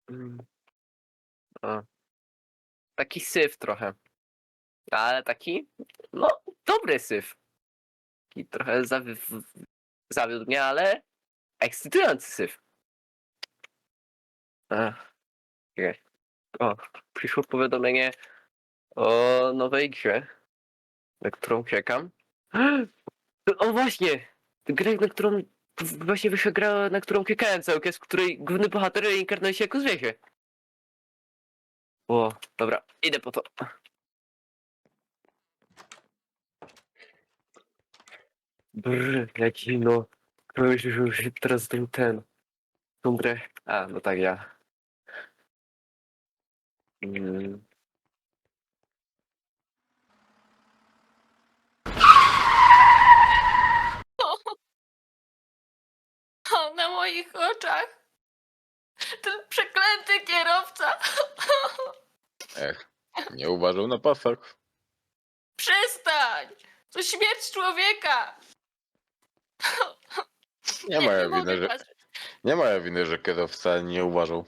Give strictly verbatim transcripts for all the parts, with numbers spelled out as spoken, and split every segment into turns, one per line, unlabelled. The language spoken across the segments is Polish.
Mm. O. Taki syf trochę. Ale taki, no, dobry syf. Taki trochę zawi w zawiódł mnie, ale ekscytujący syf. Ach, okej. O, przyszło powiadomienie o nowej grze, na którą czekam. O właśnie! Grę, na którą właśnie wyszła gra, na którą czekałem cały czas, w której główny bohater reinkarnuje się jako zwierzę. O, dobra, idę po to. Brr, jaki no. Już, już, już teraz ten, ten. Tą grę. A, no tak, ja. Mm.
O, na moich oczach. Ten przeklęty kierowca.
Ech, nie uważał na pasach.
Przestań! To śmierć człowieka.
Nie
Nie,
moja
nie
wina,
mogę
że,
patrzeć.
nie moja winy, że kierowca nie uważał.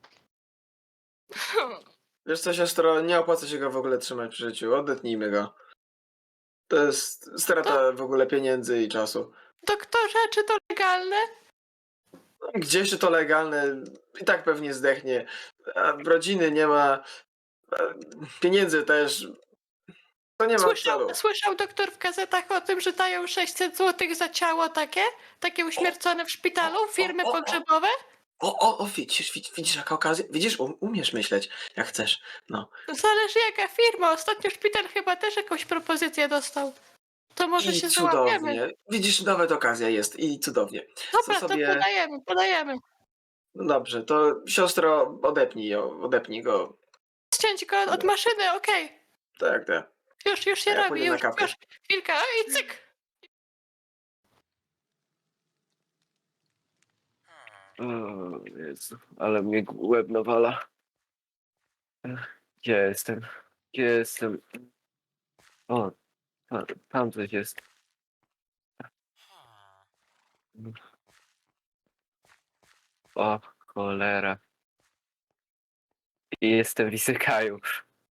Wiesz co, siostro, nie opłaca się go w ogóle trzymać przy życiu. Odetnijmy go. To jest strata w ogóle pieniędzy i czasu.
Doktorze, czy to legalne?
Gdzieś to legalne, i tak pewnie zdechnie. A rodziny nie ma, a pieniędzy też. To nie ma
Słyszał,
celu.
słyszał doktor w gazetach o tym, że dają sześćset złotych za ciało takie? Takie uśmiercone w szpitalu? Firmy
o, o, o.
pogrzebowe?
O, o, o, widzisz, widzisz, widzisz jaka okazja? Widzisz, um, umiesz myśleć, jak chcesz. No.
Zależy jaka firma. Ostatnio szpital chyba też jakąś propozycję dostał. To może
I
się załapiemy.
cudownie. Widzisz, nawet okazja jest i cudownie.
Dobra,
Co
to
sobie...
podajemy, podajemy.
No dobrze, to siostro, odepnij ją, odepnij go.
Ściąć go od maszyny, okej.
Tak, tak.
Już, już się
Ja
robi,
pójdę na
już,
kawę.
już. Chwilka, i cyk.
O Jezu, ale mnie łeb nawala. Ech, Gdzie jestem? Gdzie jestem? O, tam, tam coś jest. O, cholera. I jestem w Isekaju.